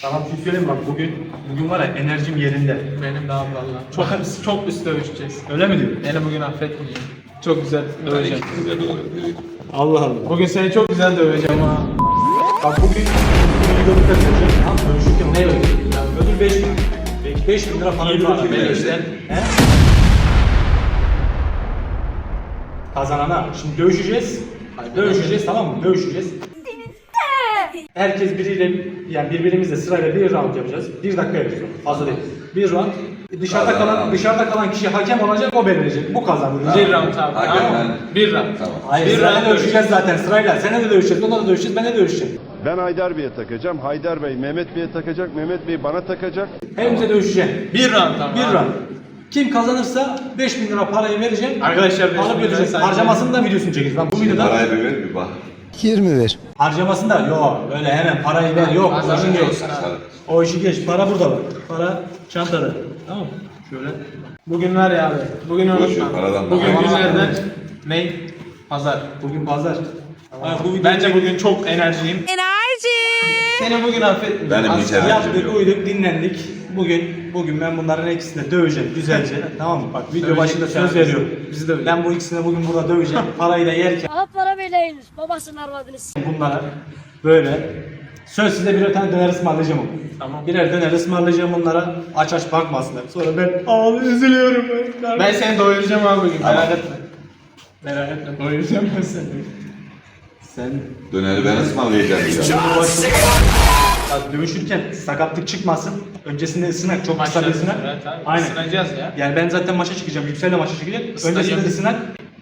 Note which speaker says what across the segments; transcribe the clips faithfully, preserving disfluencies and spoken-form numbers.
Speaker 1: Tamam, bir şey söyleyeyim bak, bugün bugün var ya, enerjim yerinde.
Speaker 2: Benim de abi valla. Çok çok üst dövüşeceğiz.
Speaker 1: Öyle mi diyor?
Speaker 2: Beni bugün affetmeyeceğim. Çok güzel döveceğim.
Speaker 1: Allah Allah.
Speaker 2: Bugün seni çok güzel döveceğim ha.
Speaker 1: Bak bugün bir videoda kaçıracağım. Tamam, dövüşürken ne ödül? Yani ödül beş bin. beş bin lira para ödül verirsen. He? Kazanana. Şimdi dövüşeceğiz. Dövüşeceğiz, tamam mı? Dövüşeceğiz. Herkes biriyle, yani birbirimizle sırayla bir round yapacağız. Bir dakika yapacağız. Fazla değil. Bir round. Dışarıda kalan dışarıda kalan kişi hakem olacak, o belirleyecek. Bu kazanır.
Speaker 2: Bir round abi.
Speaker 3: Hakem
Speaker 2: Tamam
Speaker 3: ben.
Speaker 2: mı? Bir round.
Speaker 3: Tamam.
Speaker 1: Hayır,
Speaker 2: Bir
Speaker 1: sırayla
Speaker 2: round
Speaker 1: dövüşeceğiz zaten sırayla. Sen de dövüşeceğiz, onunla da dövüşeceğiz, ben de dövüşeceğim.
Speaker 4: Ben Haydar Bey'e takacağım. Haydar Bey Mehmet Bey'e takacak. Mehmet Bey bana takacak.
Speaker 1: Hepimize dövüşeceğim.
Speaker 2: Bir round tamam.
Speaker 1: Bir
Speaker 2: abi.
Speaker 1: round. Kim kazanırsa beş bin lira parayı vereceğim.
Speaker 2: Arkadaşlar beş bin
Speaker 1: alıp
Speaker 2: lira
Speaker 1: ödeyecek.
Speaker 2: sadece-
Speaker 1: Harcamasını da videosunu çekeceğiz. Lan bu videoda
Speaker 3: Parayı bir ver bir bak.
Speaker 4: yirmi ver.
Speaker 1: harcamasını da yok. Öyle hemen parayı ver. Yok. O işi
Speaker 2: Kazanınca
Speaker 1: geç.
Speaker 2: olsun abi.
Speaker 1: O işi geç. Para burada var. Para çantada. Tamam mı? Şöyle.
Speaker 2: Bugün var ya abi. Bugün
Speaker 3: Boş ver,
Speaker 2: unutma.
Speaker 3: paradan
Speaker 2: Bugün
Speaker 3: bak.
Speaker 2: günlerden ne? Pazar.
Speaker 1: Bugün pazar. Ha, bu video
Speaker 2: Bence bugün çok enerjiyim.
Speaker 5: Enerji.
Speaker 2: Seni bugün affetmeyeceğim.
Speaker 3: Benim hiç
Speaker 2: Aslında
Speaker 3: enerjim
Speaker 1: yaptık,
Speaker 3: yok.
Speaker 1: uyuduk, dinlendik. Bugün bugün ben bunların ikisini de döveceğim güzelce. Tamam mı? Bak video
Speaker 2: Dövecek
Speaker 1: başında
Speaker 2: bir
Speaker 1: söz
Speaker 2: şey.
Speaker 1: veriyorum.
Speaker 2: Bizi de öyle.
Speaker 1: Ben bu ikisini bugün burada döveceğim. Parayı da yerken
Speaker 6: Aha para vereyiniz. Babasının arvadını s***.
Speaker 1: bunlara böyle söz size birer tane döner ısmarlayacağım ama.
Speaker 2: Tamam.
Speaker 1: Birer döner ısmarlayacağım bunlara. Aç aç bakmasınlar. Sonra ben abi üzülüyorum ben.
Speaker 2: Ben seni doyuracağım abi bugün. Merak etme. Merak etme. Doyuracağım ben seni.
Speaker 1: Sen
Speaker 3: Döneri ben ısmarlayacağım.
Speaker 1: ya, dövüşürken sakatlık çıkmasın. Öncesinde ısınak, çok kısa bir
Speaker 2: Maçlar
Speaker 1: ısınak.
Speaker 2: evet abi.
Speaker 1: Aynen.
Speaker 2: Isınacağız ya.
Speaker 1: Yani ben zaten maça çıkacağım. Yüksel'le maça çıkacağım.
Speaker 2: Isınacağım.
Speaker 1: Öncesinde ısınak.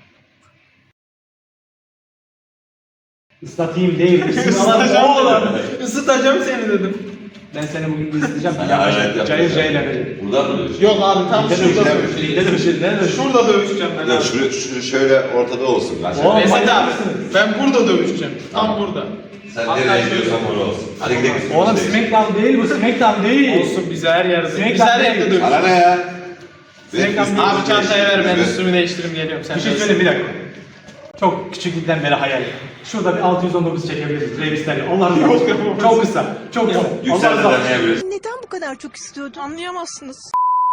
Speaker 1: Islatayım değil.
Speaker 2: Isıtacağım oğlum. Isıtacağım seni dedim.
Speaker 1: Ben seni bugün bir ısıtacağım.
Speaker 3: Sana hayret yapacağım.
Speaker 1: Cayır cayır yapacağım.
Speaker 3: Burada mı dövüş?
Speaker 2: Yok abi tam
Speaker 1: Ne
Speaker 2: şurada
Speaker 1: dövüşeceğim?
Speaker 2: dövüşeceğiz.
Speaker 1: Ne dövüşeceğiz? Ne dövüşeceğiz?
Speaker 2: Şurada dövüşeceğim ben
Speaker 3: Ya
Speaker 2: abi.
Speaker 3: şuraya, şu- şöyle ortada olsun.
Speaker 1: Oğlum,
Speaker 2: Mesut
Speaker 1: manyak
Speaker 2: abi
Speaker 1: mısınız?
Speaker 2: ben burada dövüşeceğim. Tam burada.
Speaker 3: Sen
Speaker 2: Hatta
Speaker 3: nereye
Speaker 2: şöyle-
Speaker 3: gidiyorsan oraya olsun. Hadi gidelim.
Speaker 1: Oğlum Smackdown değil bu, Smackdown değil.
Speaker 2: Olsun bize her yerde.
Speaker 1: Sinek
Speaker 2: Biz her
Speaker 1: kaplı
Speaker 2: yerde
Speaker 1: değil.
Speaker 3: Bana
Speaker 2: dövüşeceğiz.
Speaker 3: ne ya?
Speaker 1: Sinek
Speaker 3: Benim
Speaker 1: kaplı-
Speaker 2: Abi çantayı ver ben
Speaker 3: Ver.
Speaker 2: üstümü değiştireyim geliyorum. Sen
Speaker 1: Bir şey
Speaker 2: de
Speaker 1: söyleyeyim, bir dakika. Çok küçüklükten beri hayal. Şurada bir altı yüz on dokuz çekebiliriz. Revisler. Allah'ım çok, çok kısa. Çok kısa.
Speaker 3: Yüksel'de
Speaker 1: Allah Allah.
Speaker 3: deneyebiliriz.
Speaker 5: Neden bu kadar çok istiyordun? Anlayamazsınız.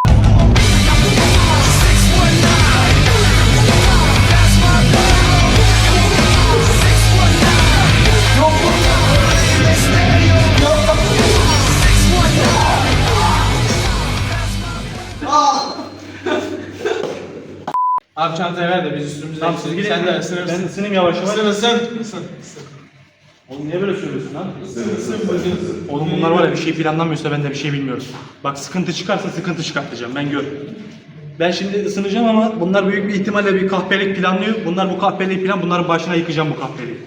Speaker 2: Abi çantayı ver de biz üstümüzü
Speaker 1: Tamam, siz
Speaker 2: değiştirelim.
Speaker 1: gidin.
Speaker 2: Sen de ısınırsın.
Speaker 1: Ben ısınayım yavaş yavaş.
Speaker 2: Isın ısın. Isın. Isın.
Speaker 1: Oğlum niye böyle söylüyorsun lan?
Speaker 2: Isın bugün.
Speaker 1: Oğlum bunlar var ya, bir şey planlamıyorsa ben de bir şey bilmiyorum. Bak sıkıntı çıkarsa sıkıntı çıkartacağım, ben gör. Ben şimdi ısınacağım ama bunlar büyük bir ihtimalle bir kahpelik planlıyor. Bunlar bu kahpeliği plan, bunların başına yıkacağım bu kahpeliği.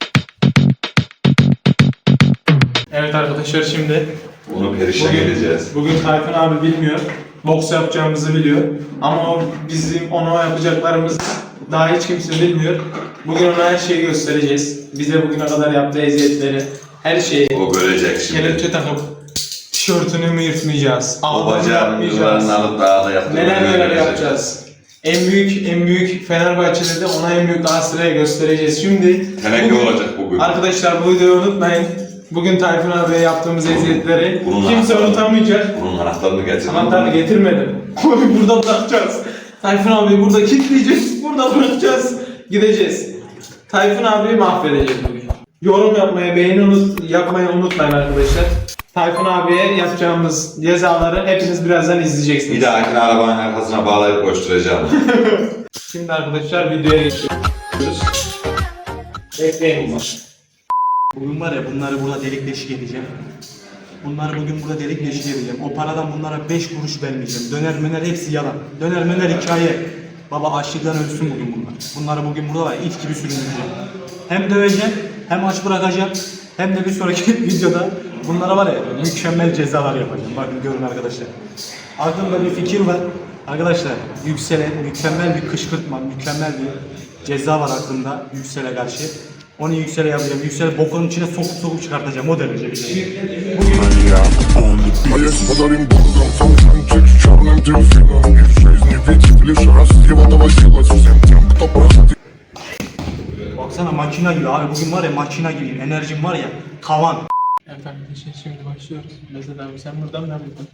Speaker 2: Evet arkadaşlar şimdi
Speaker 3: Onu perişan edeceğiz.
Speaker 2: bugün Tayfun abi bilmiyor. Boks yapacağımızı biliyor. Ama o bizim ona yapacaklarımız daha hiç kimse bilmiyor. Bugün ona her şeyi göstereceğiz. Bize bugüne kadar yaptığı eziyetleri, her şeyi.
Speaker 3: O görecek şimdi.
Speaker 2: Kelepçe takıp tişörtünü mü yırtmayacağız?
Speaker 3: O
Speaker 2: ağzını
Speaker 3: bacağın
Speaker 2: yapmayacağız.
Speaker 3: yıllarını alıp daha da yaptığını
Speaker 2: Neler neler
Speaker 3: görecek.
Speaker 2: yapacağız. En büyük en büyük Fenerbahçe'de de ona en büyük Galatasaray'a göstereceğiz. Şimdi
Speaker 3: Teneke olacak bugün.
Speaker 2: Arkadaşlar bu videoyu unutmayın. Bugün Tayfun abiye yaptığımız eziyetleri
Speaker 3: bunun
Speaker 2: kimse
Speaker 3: anahtarı-
Speaker 2: unutamayacak.
Speaker 3: Bunun anahtarını getir.
Speaker 2: Anahtarını getirmedim. Burada bırakacağız. Tayfun abiyi burada kilitleyeceğiz. Burada bırakacağız. Gideceğiz. Tayfun abiyi mahvedeceğiz bugün. Yorum yapmayı, beğeni unut, yapmayı unutmayın arkadaşlar. Tayfun abiye yapacağımız cezaları hepiniz birazdan izleyeceksiniz.
Speaker 3: Bir dahakine arabanın arkasına bağlayıp koşturacağım.
Speaker 2: Şimdi arkadaşlar videoya geçiyoruz. Bekleyin.
Speaker 1: Bugün var ya, bunları burada delik deşik edeceğim. Bunları bugün burada delik deşik edeceğim. O paradan bunlara beş kuruş vermeyeceğim. Döner möner hepsi yalan. Döner möner hikaye. Baba açlıktan ölsün bugün bunlar. Bunları bugün burada var ya, it gibi süründüreceğim. Hem döveceğim, hem aç bırakacağım, hem de bir sonraki videoda bunlara var ya mükemmel cezalar yapacağım. Bakın görün arkadaşlar. Aklımda bir fikir var. Arkadaşlar Yüksel'e mükemmel bir kışkırtma, mükemmel bir ceza var aklımda Yüksel'e karşı. Onu Yüksel'e yapacağım. Yüksel'i bokunun içine sokup sokup çıkartacağım. O derece bir şey.
Speaker 7: A jest podarem Bogom, cały Franczyk, czarnym delfinem. I wszyscy nie wiecie, wiesz, raz zjebana siła, совсем тем, кто проходит.
Speaker 1: Baksana makina gibi abi. Bugün var ya makina gibiyim. Enerjim var ya tavan.
Speaker 2: Evet arkadaşlar şimdi başlıyoruz. buluşuyoruz. Mesela abi sen buradan ben buradan.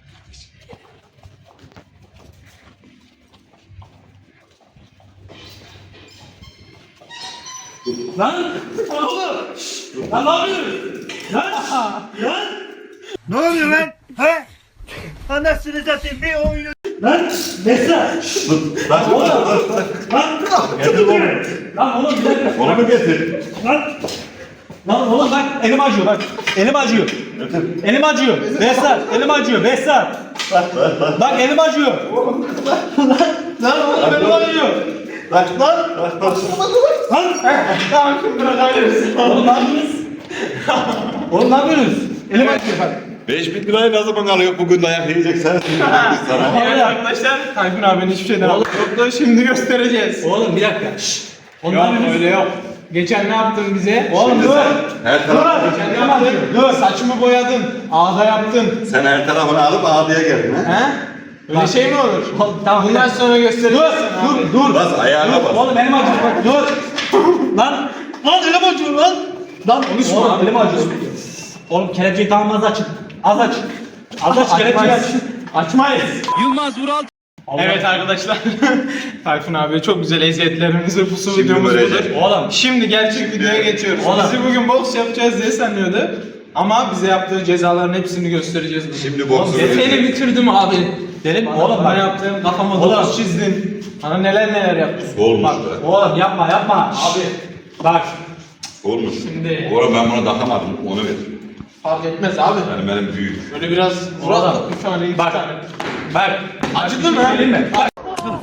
Speaker 1: Lan! Oğlum! Lan ne yapıyorsun? Lan! Lan!
Speaker 8: Ne oluyor lan? He? Anasını satayım bir oyunu.
Speaker 1: Lan! Mesra!
Speaker 3: Lan
Speaker 1: Oğlum! Lan!
Speaker 3: getir oğlum.
Speaker 1: Lan oğlum bir dakika!
Speaker 3: Onu mu getir?
Speaker 1: Lan! Lan oğlum bak elim acıyor bak. Elim acıyor. Elim acıyor. Behzat elim acıyor. Behzat. Bak elim acıyor. Lan! Lan oğlum elim acıyor.
Speaker 3: Lan lan.
Speaker 1: Lan!
Speaker 2: Tamam şimdi bırakabiliriz.
Speaker 1: Oğlum ne yapıyorsunuz? Oğlum ne yapıyorsunuz? Elim acıyor bak.
Speaker 3: beş bin lirayı ne zaman alıyor? Bugün dayak yiyecek sen. Sana.
Speaker 2: Evet arkadaşlar Tayfun abinin hiçbir şeyden yoktu. Şimdi göstereceğiz.
Speaker 1: Oğlum bir dakika. Şşş. Oğlum ne
Speaker 2: Yok
Speaker 1: yapıyorsunuz?
Speaker 2: öyle yok. Geçen ne yaptın bize?
Speaker 1: Oğlum dur.
Speaker 3: Her taraf,
Speaker 2: Geçen ne yaptın? Dur. Saçımı boyadın. Ağda yaptın.
Speaker 3: sen her tarafını alıp ağdıya geldin ha?
Speaker 2: He? Öyle şey mi olur?
Speaker 1: Oğlum, tamam,
Speaker 2: Bundan
Speaker 1: bir
Speaker 2: sonra göstereceğiz.
Speaker 1: Dur, dur, dur.
Speaker 3: Bas ayağına bas.
Speaker 1: Oğlum elim acıyor bak. Dur. Lan. Lan elim acıyor lan. Lan konuşma. Oğlum elim acıyor. Oğlum kelepçeyi tamam az açın. Az aç. Az aç kelepçeyi aç.
Speaker 2: Açmayız.
Speaker 8: Yılmaz Vural.
Speaker 2: Evet arkadaşlar. Tayfun abi çok güzel eziyetlerimizi pusu
Speaker 3: Şimdi
Speaker 2: videomuz
Speaker 3: görecek.
Speaker 2: budur.
Speaker 1: Oğlum.
Speaker 2: Şimdi gerçek videoya geçiyoruz.
Speaker 1: Oğlum.
Speaker 2: Bizi bugün boks yapacağız diye sanıyordu. Ama bize yaptığı cezaların hepsini göstereceğiz. bugün.
Speaker 3: Şimdi boksu
Speaker 2: Oğlum,
Speaker 3: görecek.
Speaker 2: Seni bitirdim abi.
Speaker 1: Dedim
Speaker 2: Bana,
Speaker 1: oğlum
Speaker 2: bana
Speaker 1: bak.
Speaker 2: yaptığın kafama
Speaker 1: Oğlum.
Speaker 2: dokuz çizdin. Bana neler neler yaptın.
Speaker 3: Olmuş
Speaker 2: Bak,
Speaker 3: be.
Speaker 1: Oğlum yapma yapma. Abi. Bak.
Speaker 3: Olmuş.
Speaker 2: Şimdi-
Speaker 3: Oğlum ben bunu takamadım. Onu ver.
Speaker 2: fark etmez abi.
Speaker 3: Yani benim büyük.
Speaker 2: Böyle biraz vuralım.
Speaker 1: Oğlum.
Speaker 2: Bir tane iki
Speaker 1: Bak.
Speaker 2: tane.
Speaker 1: Bak.
Speaker 2: Acıdı mı?
Speaker 1: Söyleyeyim mi? Bak.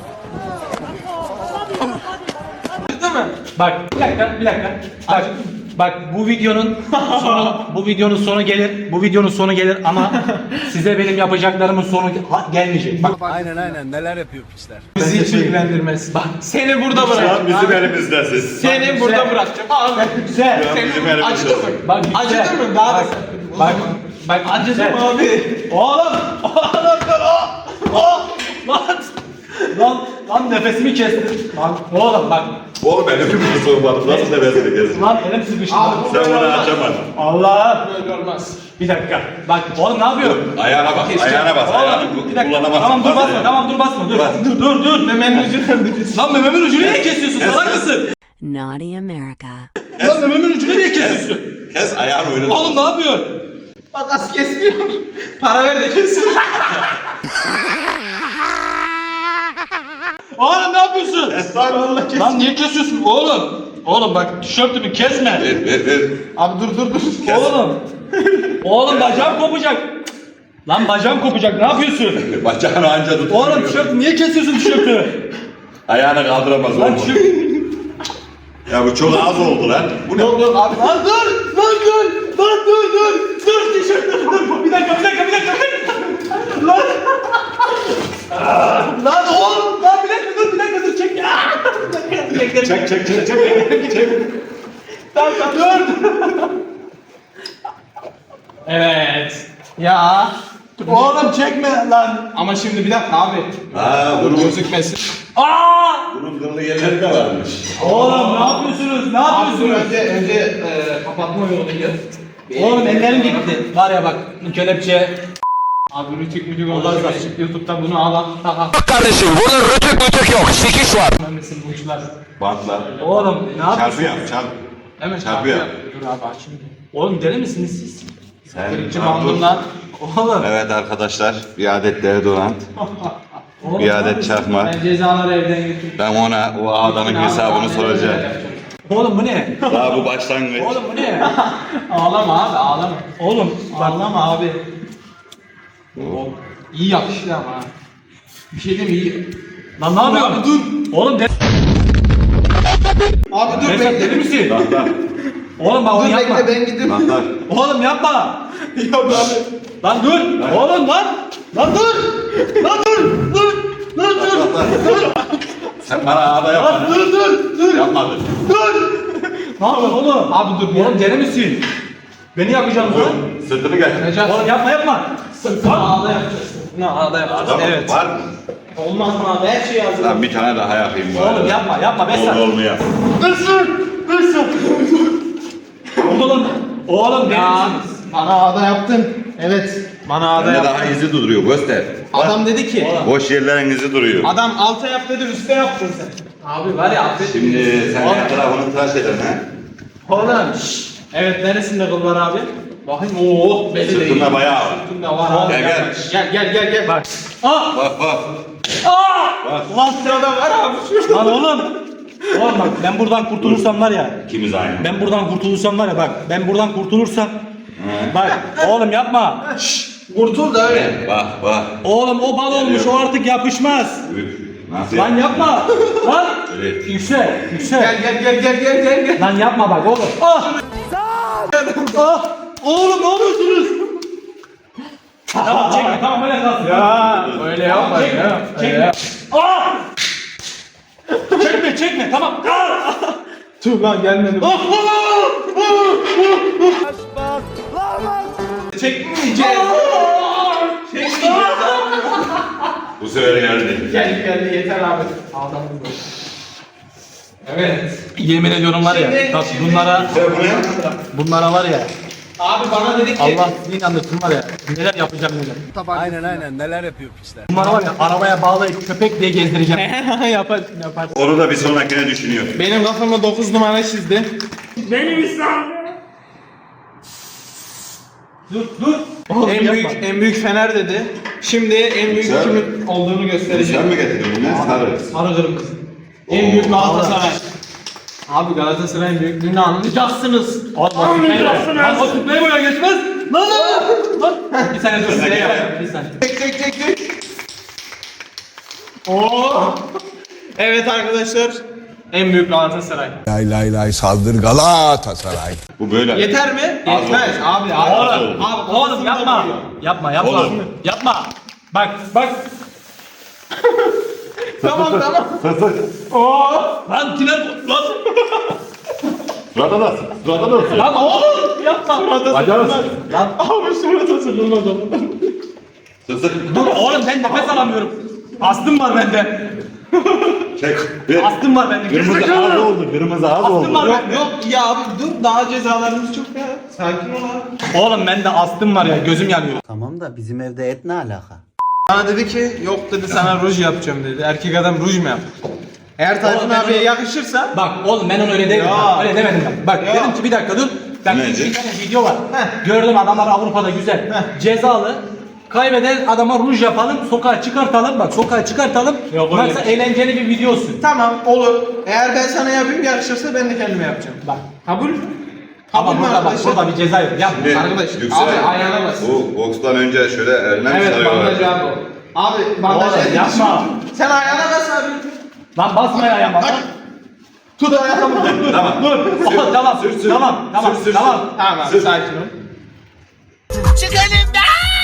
Speaker 2: Acıdı mı?
Speaker 1: Bak bir dakika bir dakika. Bak. Bak bu videonun sonu bu videonun sonu gelir. Bu videonun sonu gelir ama size benim yapacaklarımın sonu ha- gelmeyecek. Bak
Speaker 8: Aynen aynen neler yapıyor piçler.
Speaker 2: Bizi hiç ilgilendirmez. Bak seni burada
Speaker 3: Şu an
Speaker 2: bırakacağım.
Speaker 3: bizim elimizdesin.
Speaker 2: Seni burada bırakacağım. Abi.
Speaker 1: güzel.
Speaker 3: Şu an bizim
Speaker 2: Seni acıdı mı?
Speaker 3: elimizdesin.
Speaker 1: Bak güzel.
Speaker 2: Acıdı mı? Daha da
Speaker 1: Bak.
Speaker 2: Bak acıdı
Speaker 1: Güzel.
Speaker 2: mı abi?
Speaker 1: Oğlum! Oğlum dur! Oh! Oh! Lan! Lan! Lan nefesimi kestin. Lan oğlum bak.
Speaker 3: Oğlum elimi bir sormadım. Nasıl nefesini kesin?
Speaker 1: Lan elim sıkıştı.
Speaker 2: Abi,
Speaker 1: Lan.
Speaker 2: bu
Speaker 3: Sen
Speaker 2: böyle
Speaker 3: bunu
Speaker 2: olmaz.
Speaker 3: açamadın.
Speaker 1: Allah!
Speaker 2: Böyle olmaz.
Speaker 1: Bir dakika. Bak oğlum ne yapıyorsun?
Speaker 3: Ayağına bas. Ayağına bas. Ayağını
Speaker 1: Oğlum bir dakika.
Speaker 3: kullanamazsın.
Speaker 1: Tamam dur
Speaker 3: Bas
Speaker 1: basma.
Speaker 3: ya.
Speaker 1: Tamam dur basma. Dur.
Speaker 3: Bas.
Speaker 1: Dur dur dur.
Speaker 2: Memenin ucunu öldürüyorsun.
Speaker 1: Lan mememin ucunu niye kesiyorsun? Salak mısın?
Speaker 9: Naughty America.
Speaker 1: Lan mememin ucunu niye kesiyorsun?
Speaker 3: Kes ayağını oynat.
Speaker 1: Oğlum ne yapıyorsun?
Speaker 2: Makas kesmiyor. Para ver de kesin.
Speaker 1: Oğlum ne yapıyorsun?
Speaker 3: Estağfurullah kes.
Speaker 1: Lan niye kesiyorsun oğlum? Oğlum bak tişörtümü kesme.
Speaker 3: Ver ver ver.
Speaker 2: Abi dur dur dur.
Speaker 3: Kes.
Speaker 1: Oğlum. Oğlum bacağım kopacak. Lan bacağım kopacak. Ne yapıyorsun?
Speaker 3: Bacağını anca tut.
Speaker 1: Oğlum tişört niye kesiyorsun tişörtü?
Speaker 3: Ayağını kaldıramaz
Speaker 1: Lan
Speaker 3: oğlum.
Speaker 1: tişört.
Speaker 3: Ya bu çok az oldu lan. Bu ne?
Speaker 2: Yok yok abi.
Speaker 1: Lan dur! Lan dur! Lan dur dur! Dur tişört dur dur! Bir dakika bir dakika bir dakika! bir dakika. Lan! Lan oğlum! Lan bir dakika dur bir dakika dur çek! Ah! Bir dakika, bir dakika.
Speaker 3: Çek çek çek çek. çek.
Speaker 1: Tamam tamam dur!
Speaker 2: Evet. Ya.
Speaker 1: Oğlum çekme lan!
Speaker 2: Ama şimdi bir dakika abi.
Speaker 3: Ha
Speaker 2: Dur
Speaker 3: bunun,
Speaker 2: gözükmesin.
Speaker 1: Aa!
Speaker 3: bunun kıllı yerleri de varmış.
Speaker 1: Oğlum ne yapıyorsunuz? Ne
Speaker 2: Abi dur
Speaker 1: yapıyorsunuz?
Speaker 2: önce önce e, kapatma yoluydu.
Speaker 1: Oğlum ellerim gitti. Var ya bak bu kelepçe.
Speaker 2: Abi rütük mütük olmaz. YouTube'da bunu al al. Tak al.
Speaker 8: Kardeşim burada rötük rötük yok. Sikiş var.
Speaker 2: Memesin bu uçlar.
Speaker 3: Bantla.
Speaker 1: Oğlum ne
Speaker 3: Çarpı
Speaker 1: yapıyorsun?
Speaker 3: yap çarp.
Speaker 2: Hemen
Speaker 3: Çarpıyor.
Speaker 2: Dur abi aç şimdi.
Speaker 1: Oğlum deli misiniz siz?
Speaker 3: Sen
Speaker 2: Birinci
Speaker 3: Dur.
Speaker 2: bandımdan.
Speaker 1: Oğlum.
Speaker 3: Evet arkadaşlar bir adet deodorant.
Speaker 1: Oğlum,
Speaker 3: Bir
Speaker 1: ne
Speaker 3: adet
Speaker 1: yapıyorsun?
Speaker 3: çakma.
Speaker 2: Ben cezaları evden götürdüm.
Speaker 3: Ben ona o ağdanın hesabını soracağım.
Speaker 1: Oğlum bu ne?
Speaker 3: Daha bu başlangıç.
Speaker 1: Oğlum bu ne?
Speaker 2: Ağlama abi ağlama.
Speaker 1: Oğlum bak
Speaker 2: Ağlama abi. İyi yakıştı ama ha. Bir şey diyeyim mi? iyi.
Speaker 1: lan ne yapıyorsun?
Speaker 2: Abi dur.
Speaker 1: Oğlum de
Speaker 2: Abi dur
Speaker 1: Mesut
Speaker 2: bekle.
Speaker 1: deli misin?
Speaker 3: Bantlar.
Speaker 1: Oğlum bak onu
Speaker 2: Dur
Speaker 1: yapma.
Speaker 2: bekle ben gidip.
Speaker 3: Bantlar.
Speaker 1: Oğlum yapma.
Speaker 2: Yok abi.
Speaker 1: Lan dur. Oğlum lan. Lan dur. Lan dur. Dur. Dur dur.
Speaker 3: Bantlar. Sen bana ağda
Speaker 1: Lan
Speaker 3: yapmadın.
Speaker 1: dur dur. Dur.
Speaker 3: Yapmadın.
Speaker 1: Dur. Ne yapıyorsun oğlum?
Speaker 2: Abi dur.
Speaker 1: Oğlum deli misin? Beni yakacaksın lan.
Speaker 3: Sırtını gel.
Speaker 2: Necati.
Speaker 1: Oğlum yapma yapma.
Speaker 2: Sırtına ağda yapacağız. Sırtına ağda yapacağız.
Speaker 3: Tamam,
Speaker 2: Evet.
Speaker 3: var mı?
Speaker 2: Olmaz mı abi? Her şeyi hazır.
Speaker 3: Lan bir tane daha yapayım bari.
Speaker 1: Oğlum yapma yapma Besat.
Speaker 3: Oldu olmuyor.
Speaker 1: Dursun. Dursun. Oğlum. Oğlum deli
Speaker 2: Ya
Speaker 1: misiniz?
Speaker 2: bana ağda yaptın. Evet. Bana ağda
Speaker 3: Bende
Speaker 2: yap.
Speaker 3: daha izi duruyor göster.
Speaker 2: Adam dedi ki.
Speaker 3: Boş yerlerin izi duruyor.
Speaker 2: Adam alta yap dedi üstte yaptın sen. Abi var ya affet.
Speaker 3: Şimdi sen her tarafını tıraş edersin ha.
Speaker 2: Oğlum. şşş. Evet neresinde kıl var abi? Bakayım ooo belli değil.
Speaker 3: Sırtında bayağı var.
Speaker 2: Sırtında var abi.
Speaker 3: Gel, gel.
Speaker 2: Gel gel gel gel. Bak. Ah!
Speaker 3: Bak bak.
Speaker 2: Lan sırada var abi şurada.
Speaker 1: Lan oğlum. Oğlum bak ben buradan kurtulursam var ya.
Speaker 3: İkimiz aynı.
Speaker 1: Ben buradan kurtulursam var ya bak. Ben buradan kurtulursam. Bak oğlum yapma. Şşş.
Speaker 2: Kurtul da öyle.
Speaker 3: Bak bak.
Speaker 1: Oğlum o bal olmuş o artık yapışmaz.
Speaker 3: Üf. Nasıl
Speaker 1: Lan
Speaker 3: ya?
Speaker 1: yapma. Lan.
Speaker 3: Evet.
Speaker 1: Yüksel. Yüksel.
Speaker 2: Gel gel gel gel gel gel gel.
Speaker 1: Lan yapma bak oğlum. Ah. Ah. Oğlum ne yapıyorsunuz? Tamam çekme tamam öyle kalsın.
Speaker 2: Ya öyle yapma
Speaker 1: Çekme.
Speaker 2: ya.
Speaker 1: Çekme. Ah. Çekme çekme tamam. Ah.
Speaker 2: Tüh lan gelmedi.
Speaker 1: Ah.
Speaker 2: Çekmeyeceğiz. Çekmeyeceğiz.
Speaker 3: Bu sefer geldi.
Speaker 2: Geldi geldi yeter abi. Aldığımız bu. Evet.
Speaker 1: Yemin ediyorum var ya.
Speaker 2: Şimdi-
Speaker 1: Bak
Speaker 2: şimdi-
Speaker 1: bunlara
Speaker 3: Sen bu ne?
Speaker 1: bunlara var ya.
Speaker 2: Abi bana dedi ki.
Speaker 1: Allah sizi inandırsın var ya. Neler yapacağım neler.
Speaker 9: Aynen aynen neler yapıyor piçler.
Speaker 1: Bunları var ya arabaya bağlayıp köpek diye gezdireceğim.
Speaker 2: Yaparsın yaparsın.
Speaker 3: Onu da bir sonrakine düşünüyor.
Speaker 2: Benim kafama dokuz numara çizdi.
Speaker 8: Benim İslam.
Speaker 1: Dur dur. Oğlum
Speaker 2: En
Speaker 1: yapma.
Speaker 2: büyük en büyük Fener dedi. Şimdi en büyük
Speaker 3: Güzel.
Speaker 2: kimin olduğunu
Speaker 3: Sen
Speaker 2: göstereceğim.
Speaker 3: mi getirdin bunu? Sarı.
Speaker 2: Sarı kırmızı. En büyük Galatasaray. Abi Galatasaray'ın büyüklüğünü anlayacaksınız.
Speaker 1: Anlayacaksınız. Lan o tıklayı buraya geçmez. Lan lan. Lan. Bir saniye dur. Bir saniye. Bir saniye.
Speaker 2: Çek çek çek çek. Oo. Evet arkadaşlar. En büyük Galatasaray.
Speaker 9: Lay lay lay saldır Galatasaray.
Speaker 3: Bu böyle.
Speaker 2: Yeter mi?
Speaker 3: Az
Speaker 2: Yetmez
Speaker 3: oldu.
Speaker 2: abi.
Speaker 3: Az
Speaker 2: Abi,
Speaker 3: oldu.
Speaker 2: abi
Speaker 1: Oğlum yapma. Yapma yapma.
Speaker 3: Oğlum.
Speaker 1: Yapma. Bak bak.
Speaker 2: Tamam tamam.
Speaker 1: Lan tiner lan.
Speaker 3: Surata da. Surata da.
Speaker 1: Lan oğlum yapma.
Speaker 3: Bacağız.
Speaker 1: Lan
Speaker 2: Abi surat hazırlamadım.
Speaker 3: Sık sık.
Speaker 1: dur oğlum ben nefes alamıyorum. Astım var bende.
Speaker 3: Çek. Bir.
Speaker 1: Astım var bende.
Speaker 3: Kırmızı az oldu. Kırmızı az
Speaker 1: Astım
Speaker 3: oldu.
Speaker 1: var
Speaker 2: Yok
Speaker 1: bende.
Speaker 2: yok ya abi dur daha cezalarımız çok ya. Sakin ol abi.
Speaker 1: Oğlum bende astım var ya gözüm yanıyor.
Speaker 10: Tamam da bizim evde et ne alaka?
Speaker 2: Bana dedi ki yok dedi sana ruj yapacağım dedi. Erkek adam ruj mu yap? Eğer Tayfun
Speaker 1: Oğlum ben
Speaker 2: abiye
Speaker 1: onu-
Speaker 2: yakışırsa
Speaker 1: Bak oğlum ben onu öyle demedim.
Speaker 2: Ya.
Speaker 1: Bak, öyle demedim ben. Bak
Speaker 2: Ya.
Speaker 1: dedim ki bir dakika dur. Bak
Speaker 3: Ne
Speaker 1: bir,
Speaker 3: diyecek?
Speaker 1: bir tane video var.
Speaker 2: Heh.
Speaker 1: Gördüm adamlar Avrupa'da güzel.
Speaker 2: Heh.
Speaker 1: Cezalı. Kaybeden adama ruj yapalım, sokağa çıkartalım. Bak sokağa çıkartalım.
Speaker 2: Yok, öyle
Speaker 1: Maksat
Speaker 2: bir şey.
Speaker 1: eğlenceli bir video olsun.
Speaker 2: tamam olur. Eğer ben sana yapayım yakışırsa ben de kendime yapacağım.
Speaker 1: Bak.
Speaker 2: Kabul?
Speaker 1: Ama
Speaker 2: mü
Speaker 1: burada bak
Speaker 2: arkadaşlar?
Speaker 1: burada bir ceza yok. Yapma.
Speaker 3: Bir.
Speaker 2: Arkadaş,
Speaker 3: Yüksel.
Speaker 2: abi ayağına bas.
Speaker 3: Bu bokstan önce şöyle eline mi
Speaker 2: Evet
Speaker 3: sarıyorlar?
Speaker 2: bandaj abi o. Abi bandaj
Speaker 1: Oğlum,
Speaker 2: edin.
Speaker 1: yapma.
Speaker 2: Sen ayağına bas abi.
Speaker 1: Lan basma ya ayağıma. Bak.
Speaker 2: Tut ayağına bas.
Speaker 3: Tamam.
Speaker 1: Dur. Oh, tamam.
Speaker 3: Sür, sür.
Speaker 1: Tamam. Tamam.
Speaker 3: Sür, sür,
Speaker 1: Tamam.
Speaker 2: Tamam abi sakin ol.
Speaker 5: Çık elimden.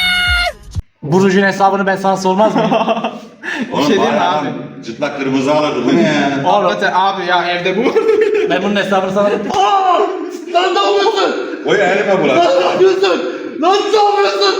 Speaker 1: Bu rujun hesabını ben sana sormaz mıyım?
Speaker 2: Bir şey diyeyim mi abi?
Speaker 3: Cıtlak kırmızı alırdı. Bu ne ya?
Speaker 2: Hakikaten abi ya evde bu.
Speaker 1: Ben bunun hesabını sana...
Speaker 2: Lan ne yapıyorsun?
Speaker 3: O ya elime bulaştı.
Speaker 2: Ne yapıyorsun? Lan ne yapıyorsun?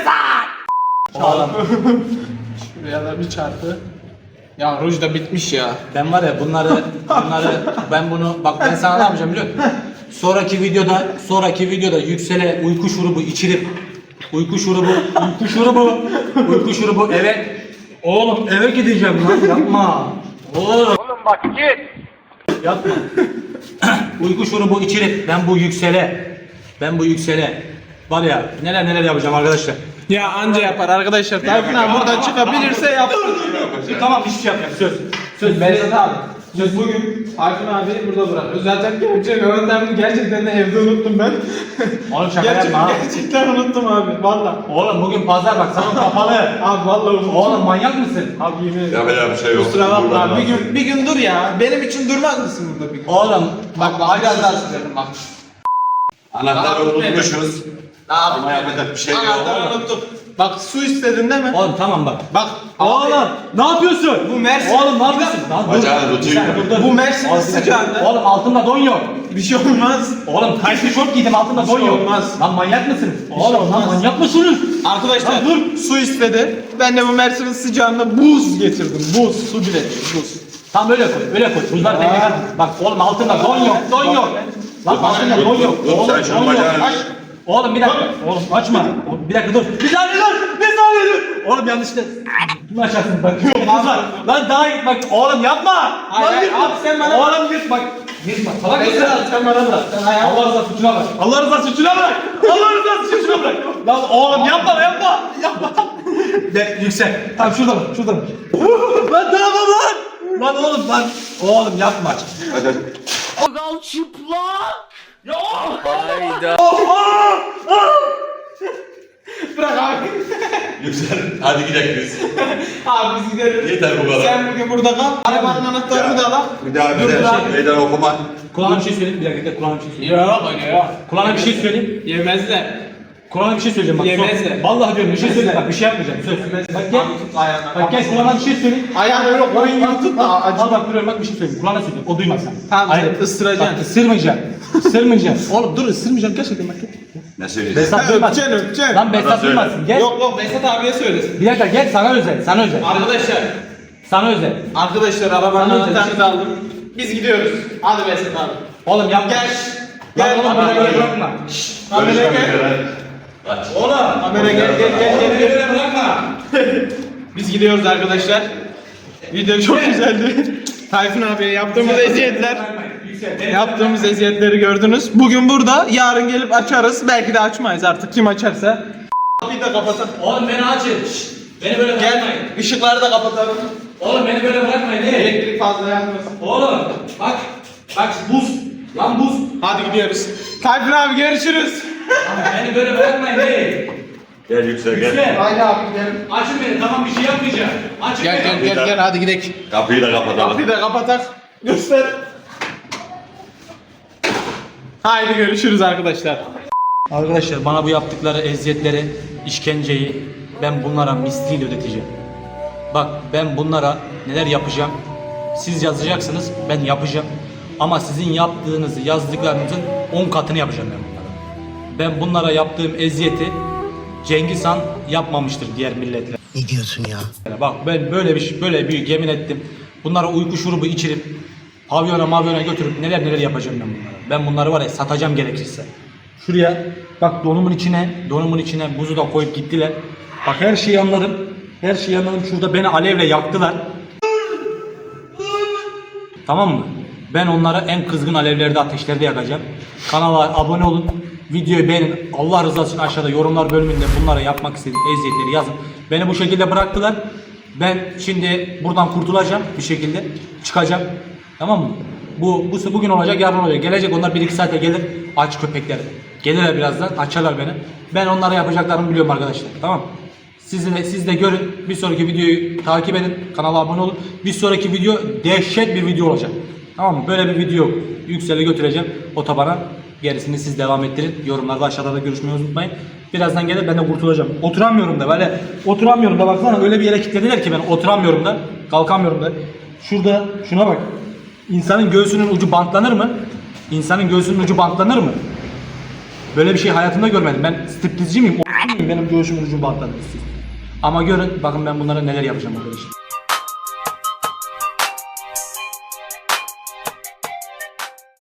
Speaker 1: Çağlam.
Speaker 2: Şuraya da bir çarpı. Ya ruj da bitmiş ya.
Speaker 1: Ben var ya bunları, bunları, ben bunu, bak ben sana ne yapacağım biliyor musun? Sonraki videoda, sonraki videoda Yüksel'e uyku şurubu içirip, uyku şurubu, uyku şurubu, uyku şurubu eve, oğlum eve gideceğim lan yapma. Oğlum. Oğlum bak git. Yapma. Uyku şurubu içirip ben bu Yüksel'e, ben bu Yüksel'e var ya neler neler yapacağım arkadaşlar.
Speaker 2: Ya anca yapar arkadaşlar. Tayfun abi buradan çıkabilirse yapsın.
Speaker 1: Tamam hiçbir şey yapmayacağım söz. Söz
Speaker 2: Behzat abi. Söz bugün Tayfun abi burada bırakıyoruz. Zaten gerçek öğretmenimi gerçekten de evde unuttum ben.
Speaker 1: Oğlum şaka
Speaker 2: Gerçek,
Speaker 1: yapma ha.
Speaker 2: gerçekten unuttum abi. Valla.
Speaker 1: Oğlum bugün pazar bak salon kapalı.
Speaker 2: Abi valla unuttum.
Speaker 1: Oğlum manyak mısın?
Speaker 2: Abi yemin ederim.
Speaker 3: Yapacak bir şey yok.
Speaker 2: Kusura bakma
Speaker 3: Buradan
Speaker 2: abi. Bir
Speaker 3: bak.
Speaker 2: gün, bir gün dur ya. Benim için durmaz mısın burada bir gün?
Speaker 1: Oğlum
Speaker 2: Bak bak biraz daha sürelim bak.
Speaker 3: Anahtarı unutmuşuz.
Speaker 2: Ne yapayım?
Speaker 3: Ama yapacak bir şey yok.
Speaker 2: Anahtarı unuttum. Bak su istedin değil mi?
Speaker 1: Oğlum tamam bak.
Speaker 2: Bak.
Speaker 1: Oğlum ne yapıyorsun?
Speaker 2: Bu Mersin.
Speaker 1: Oğlum ne yapıyorsun? Lan dur.
Speaker 3: Bacağını
Speaker 1: Bir
Speaker 3: tutayım.
Speaker 1: saniye, dur, dur.
Speaker 2: Bu Mersin'in
Speaker 1: Oğlum, bir dakika.
Speaker 2: sıcağında.
Speaker 1: Oğlum altımda don yok.
Speaker 2: Bir şey olmaz.
Speaker 1: Oğlum taytlı şort giydim altımda
Speaker 2: Bir
Speaker 1: don
Speaker 2: şey
Speaker 1: yok.
Speaker 2: olmaz.
Speaker 1: Lan manyak mısınız? Oğlum lan
Speaker 2: olmaz.
Speaker 1: manyak mısınız?
Speaker 2: Arkadaşlar
Speaker 1: Lan dur.
Speaker 2: su istedi. Ben de bu Mersin'in sıcağında buz getirdim. Buz. Su bile değil. Buz.
Speaker 1: Tam böyle koy, böyle koy. Buzlar denk getir. Bak oğlum altında don yok, don yok. Lan altında don yok.
Speaker 3: Dur, dur,
Speaker 1: Oğlum
Speaker 3: sen şunu
Speaker 1: don yok.
Speaker 3: bacağını-
Speaker 1: Bak, Oğlum bir dakika. Oğlum açma. Oğlum, bir dakika dur. Bir saniye dur. Bir saniye dur. Oğlum yanlışlıkla. Kim açarsın bak. Kızlar. Lan daha git bak. Oğlum yapma.
Speaker 2: Hayır,
Speaker 1: Lan
Speaker 2: hayır,
Speaker 1: yırtma.
Speaker 2: abi sen bana-
Speaker 1: Oğlum git bak. Yırtma. Salak mısın?
Speaker 2: Veysel abi sen bana bırak. Sen ayağa
Speaker 1: Allah rızası için bırak. Allah rızası için bırak. Allah rızası için bırak. Lan oğlum yapma yapma. Yapma. De, yüksel. Tamam şurada bak. Şurada bak. Lan tamam lan. Lan oğlum lan. Oğlum yapma.
Speaker 3: Hadi hadi.
Speaker 5: Gal çıplak.
Speaker 2: bırak abi.
Speaker 3: Yüksel. Hadi gidelim biz.
Speaker 2: Abi biz gidelim.
Speaker 3: Yeter bu kadar.
Speaker 2: Sen bugün burada kal. Arabanın anahtarını da al.
Speaker 3: Bir daha
Speaker 2: Dur,
Speaker 3: bize
Speaker 2: dur abi.
Speaker 3: meydan okuma.
Speaker 1: Kulağına bir şey söyleyeyim. Bir dakika kulağına bir şey söyleyeyim.
Speaker 2: Yok yok.
Speaker 1: Kulağına bir şey söyleyeyim.
Speaker 2: Yemezler.
Speaker 1: Kulağına bir şey söyleyeceğim bak.
Speaker 2: Yemezler.
Speaker 1: Son- Vallahi diyorum bir şey söyleyeyim bak bir şey yapmayacağım. Söz. Bak gel.
Speaker 2: Ayağına.
Speaker 1: Bak gel kulağına bir şey söyleyeyim.
Speaker 2: Ayağını öyle koyun gibi tut da acı.
Speaker 1: Al bak duruyorum bak bir şey söyleyeyim. Kulağına söyleyeyim. O duymaz sen.
Speaker 2: Tamam,
Speaker 1: Hayır.
Speaker 2: ısıracaksın.
Speaker 1: Bak ısırmayacağım. Isırmayacağım. Oğlum dur ısırmayacağım gerçekten bak.
Speaker 3: Ne söyleyeceksin?
Speaker 1: Besat duymaz.
Speaker 2: Öpeceksin, öpeceksin.
Speaker 1: Lan Besat
Speaker 3: söyle.
Speaker 1: duymasın. Gel.
Speaker 2: Yok yok Besat abiye söylesin.
Speaker 1: Bir dakika gel sana özel. Sana özel.
Speaker 2: Arkadaşlar.
Speaker 1: Sana özel.
Speaker 2: Arkadaşlar arabanın
Speaker 1: Sana
Speaker 2: anahtarını da aldım. Biz gidiyoruz. Hadi Besat abi.
Speaker 1: Oğlum yapma.
Speaker 2: Gel.
Speaker 1: Lan oğlum
Speaker 2: Kamera
Speaker 1: beni
Speaker 2: gel.
Speaker 1: bırakma.
Speaker 2: Kamera gel.
Speaker 1: Oğlum.
Speaker 2: Kamera gel gel gel gel. gel.
Speaker 1: Beni bırakma.
Speaker 2: Biz gidiyoruz arkadaşlar. Video çok güzeldi. Tayfun abiye yaptığımız eziyetler. Yaptığımız eziyetleri gördünüz. Bugün burada, yarın gelip açarız. Belki de açmayız artık kim açarsa. Kapıyı da kapatalım.
Speaker 1: Oğlum beni açın. Şşt. Beni böyle
Speaker 2: Gel,
Speaker 1: bırakmayın.
Speaker 2: ışıkları da kapatalım.
Speaker 1: Oğlum beni böyle bırakmayın. Ne?
Speaker 2: Elektrik fazla yanmasın.
Speaker 1: Oğlum bak. Bak buz. Lan buz.
Speaker 2: Hadi gidiyoruz. Tayfun abi görüşürüz.
Speaker 1: Beni böyle bırakmayın. Ne?
Speaker 3: Gel Yüksel gel.
Speaker 1: Yüksel.
Speaker 2: Haydi abi gidelim.
Speaker 1: Açın beni tamam bir şey yapmayacağım. Açın
Speaker 2: Gel
Speaker 1: beni.
Speaker 2: gel gel gel hadi gidelim.
Speaker 3: Kapıyı da kapatalım.
Speaker 2: Kapıyı da kapatak. Göster. Haydi görüşürüz arkadaşlar.
Speaker 1: Arkadaşlar bana bu yaptıkları eziyetleri, işkenceyi ben bunlara misliyle ödeteceğim. Bak ben bunlara neler yapacağım. Siz yazacaksınız ben yapacağım. Ama sizin yaptığınızı yazdıklarınızın on katını yapacağım ben bunlara. Ben bunlara yaptığım eziyeti Cengiz Han yapmamıştır diğer milletler.
Speaker 10: Ne diyorsun ya?
Speaker 1: Bak ben böyle bir şey- böyle bir yemin ettim. Bunlara uyku şurubu içirip pavyona mavyona götürüp neler neler yapacağım ben bunlara. Ben bunları var ya satacağım gerekirse. Şuraya bak donumun içine, donumun içine buzu da koyup gittiler. Bak her şeyi anladım. Her şeyi anladım. Şurada beni alevle yaktılar. Tamam mı? Ben onları en kızgın alevlerde, ateşlerde yakacağım. Kanala abone olun. Videoyu beğenin. Allah rızası için aşağıda yorumlar bölümünde bunlara yapmak istediğim eziyetleri yazın. Beni bu şekilde bıraktılar. Ben şimdi buradan kurtulacağım bir şekilde. Çıkacağım. Tamam mı? Bu, bu bugün olacak, yarın olacak. Gelecek onlar bir iki saate gelir. Aç köpekler. Gelirler birazdan. Açarlar beni. Ben onlara yapacaklarımı biliyorum arkadaşlar. Tamam mı? Siz de, siz de görün. Bir sonraki videoyu takip edin. Kanala abone olun. Bir sonraki video dehşet bir video olacak. Tamam mı? Böyle bir video Yüksel'i götüreceğim otobana. Gerisini siz devam ettirin. Yorumlarda aşağıda da görüşmeyi unutmayın. Birazdan gelir ben de kurtulacağım. Oturamıyorum da böyle. Oturamıyorum da baksana öyle bir yere kilitlediler ki ben oturamıyorum da. Kalkamıyorum da. Şurada şuna bak. İnsanın göğsünün ucu bantlanır mı? İnsanın göğsünün ucu bantlanır mı? Böyle bir şey hayatımda görmedim. Ben striptizci miyim? O muyum benim göğsümün ucu bantlanır. Ama görün bakın ben bunlara neler yapacağım arkadaşlar.